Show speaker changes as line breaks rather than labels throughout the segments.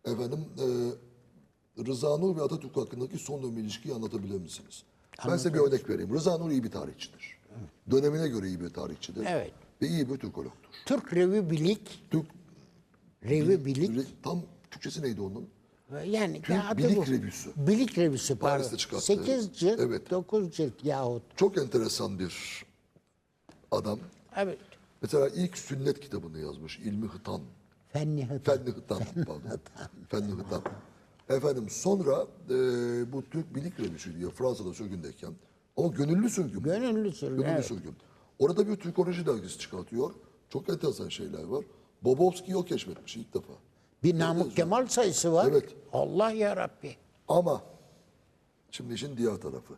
Efendim, Rıza Nur ve Atatürk hakkındaki son dönem ilişkiyi anlatabilir misiniz? Ben size bir örnek vereyim. Rıza Nur iyi bir tarihçidir. Dönemine göre iyi bir tarihçidir.
Evet.
Ve iyi bir Türkologdur.
Türk Revi Bilik,
Türk
Revi Bilik,
tam Türkçesi neydi onun?
yani
Türk
adı
Bilik
bu.
Revüsü.
Bilik Revüsü pardon.
Paris'te çıkarttı.
8 cilt,
Evet.
9 cilt yahut.
Çok enteresan bir adam.
Evet.
Mesela ilk sünnet kitabını yazmış. İlmi Hıtan.
Fenni Hıtan.
Fenni Hıtan, pardon. Fenni Hıtan. Efendim sonra bu Türk Bilik Revüsü diyor Fransa'da sürgündeyken. Ama gönüllü sürgün.
Gönüllü sürgün,
Gönüllü
evet.
sürgün. Orada bir Türkoloji dergisi çıkartıyor. Çok enteresan şeyler var. Bobovski'yi o keşfetmiş ilk defa.
Bir Namık Kemal sayısı var.
Evet.
Allah ya Rabbi.
Ama şimdi işin diğer tarafı.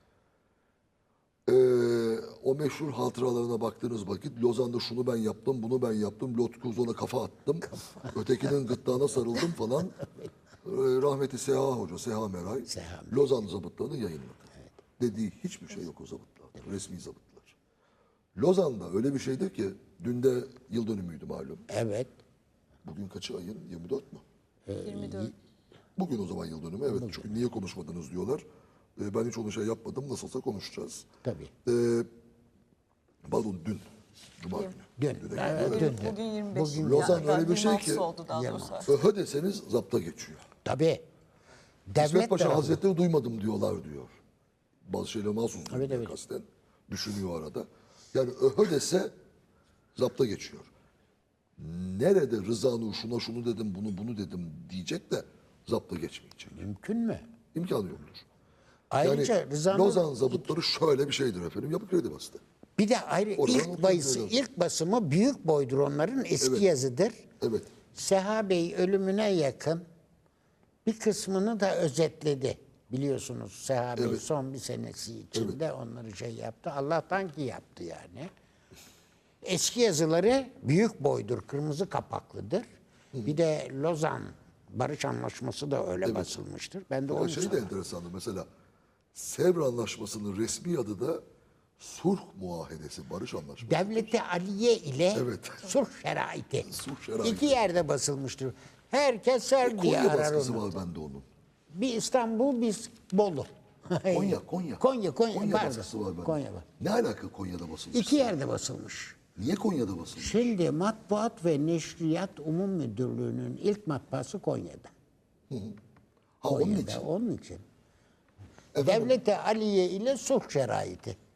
O meşhur hatıralarına baktığınız vakit Lozan'da şunu ben yaptım, bunu ben yaptım, Lot Kuzon'a kafa attım, ötekinin gırtlağına sarıldım falan. Rahmetli Seha Hoca, Seha Meray,
Seha
Lozan zabıtlarını yayınladı. Dediği hiçbir şey yok o zabıtlarda, resmi zabıtlar. Lozan'da öyle bir şeydir ki, dün de yıl dönümüydü malum.
Evet.
Bugün kaçı ayın? 24 mü?
24.
Bugün o zaman yıl dönümü. Evet, çünkü niye konuşmadınız diyorlar. Ben hiç onu şey yapmadım, nasılsa konuşacağız.
Tabii.
Pardon dün. Cuma günü.
Dün.
Düne
Evet,
gidiyor.
dün.
Bugün 25.
Bugün
Lozan
Yani
öyle bir şey ki-
26'sı oldu daha doğrusu.
Öhö deseniz zapta geçiyor.
Tabii.
İsmet
Devlet
Paşa
tarafı.
Hazretleri duymadım diyorlar diyor. Bazı şeyler mahsus duyuyor
Evet, evet.
kasten. Düşünüyor arada. Yani öhö dese zapta geçiyor. Nerede Rıza Nur şuna şunu dedim bunu dedim diyecek de zapta geçmeyecek.
Mümkün mü?
İmkanı yoktur.
Ayrıca
Yani
Rıza Nur-
Lozan zabıtları şöyle bir şeydir efendim. Yapı Kredi bastı.
bir de ayrı
Oradan
ilk
okuyoruz.
ilk basımı büyük boydur onların eski
Evet.
yazıdır.
Evet.
Seha Bey ölümüne yakın bir kısmını da özetledi. Biliyorsunuz Seha Bey
Evet.
son bir senesi içinde onları şey yaptı. Allah'tan ki yaptı yani. Eski yazıları büyük boydur, kırmızı kapaklıdır. Bir de Lozan Barış Anlaşması da öyle basılmıştır. Ben de
Ya
onu
şey de enteresandır. Mesela Sevr Anlaşması'nın resmi adı da Sulh Muahedesi, Barış Anlaşması.
Devleti Aliye ile
Evet.
sulh şeraiti.
Sulh şeraiti.
İki yerde basılmıştır. Herkes ser diye
Konya
arar
baskısı
onu.
var bende onun.
Bir İstanbul, bir Bolu.
Konya.
Konya, pardon.
baskısı var bende.
Konya var.
Ne alaka Konya'da basılmış?
İki yerde basılmış.
Niye Konya'da basılmış?
Şimdi Matbuat ve Neşriyat Umum Müdürlüğü'nün ilk matbaası Konya'da.
Ha onun
Konya'da,
için.
onun için.
Efendim,
Devleti Aliye ile sulh şeraiti.